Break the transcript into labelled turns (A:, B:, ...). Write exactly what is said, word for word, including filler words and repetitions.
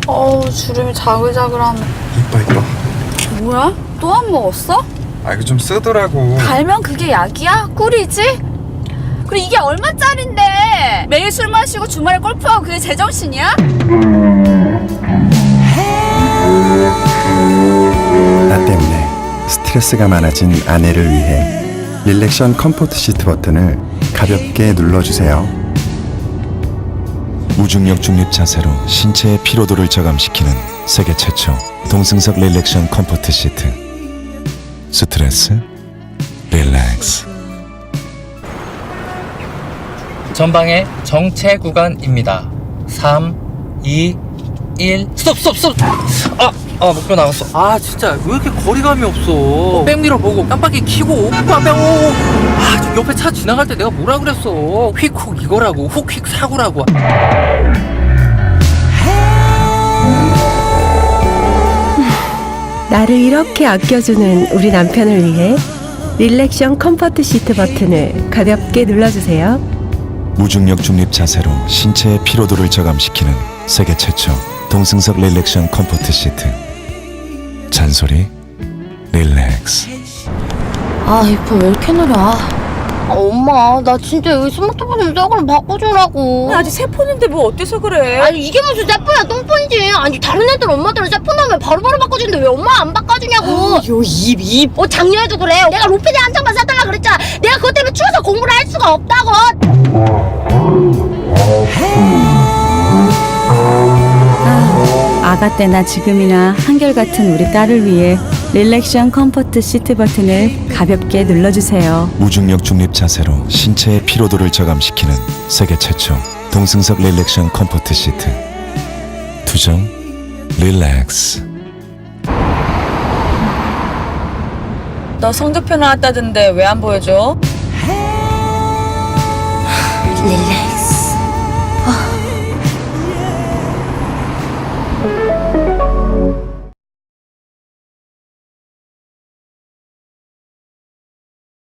A: 어우, 주름이 자글자글하네.
B: 이뻐 이뻐.
A: 뭐야? 또 안 먹었어?
B: 아 이거 좀 쓰더라고.
A: 달면 그게 약이야? 꿀이지? 그리고 이게 얼마짜린데? 매일 술 마시고 주말에 골프하고 그게 제정신이야?
C: 나 때문에 스트레스가 많아진 아내를 위해 릴렉션 컴포트 시트 버튼을 가볍게 눌러주세요.
D: 무중력 중립 자세로 신체의 피로도를 저감시키는 세계 최초 동승석 릴렉션 컴포트 시트. 스트레스 릴렉스.
E: 전방에 정체 구간입니다. 삼, 이, 일. 스톱, 스톱, 스톱! 아, 아, 목표 나갔어.
F: 아 진짜 왜 이렇게 거리감이 없어. 백미러 보고 깜빡이 켜고 깜빡 오. 아, 저 옆에 차 지나갈 때 내가 뭐라 그랬어. 휙훅 이거라고 훅휙 사고라고.
G: 나를 이렇게 아껴주는 우리 남편을 위해 릴렉션 컴포트 시트 버튼을 가볍게 눌러주세요.
D: 무중력 중립 자세로 신체의 피로도를 저감시키는 세계 최초 동승석 릴렉션 컴포트 시트. 잔소리 릴렉스.
H: 아, 이 폰 왜 이렇게 느려? 아, 엄마, 나 진짜 여기 스마트폰 좀 새 걸로 바꿔주라고.
A: 아직 새 폰인데 뭐 어때서 그래?
H: 아니, 이게 무슨 새 폰이야, 똥폰이지. 아니, 다른 애들 엄마들은 새 폰 하면 바로바로 바꿔주는데 왜 엄마 안 바꿔주냐고.
A: 요 입, 입.
H: 어, 작년에도 그래. 내가 로피디 한 장만 사달라 그랬잖아. 내가 그것 때문에 추워서 공부를 할 수가 없다고.
I: 아가 때나 지금이나 한결같은 우리 딸을 위해 릴렉션 컴포트 시트 버튼을 가볍게 눌러주세요.
D: 무중력 중립 자세로 신체의 피로도를 저감시키는 세계 최초 동승석 릴렉션 컴포트 시트. 투정 릴렉스.
A: 너 성적표 나왔다던데 왜 안 보여줘?
H: 릴렉스.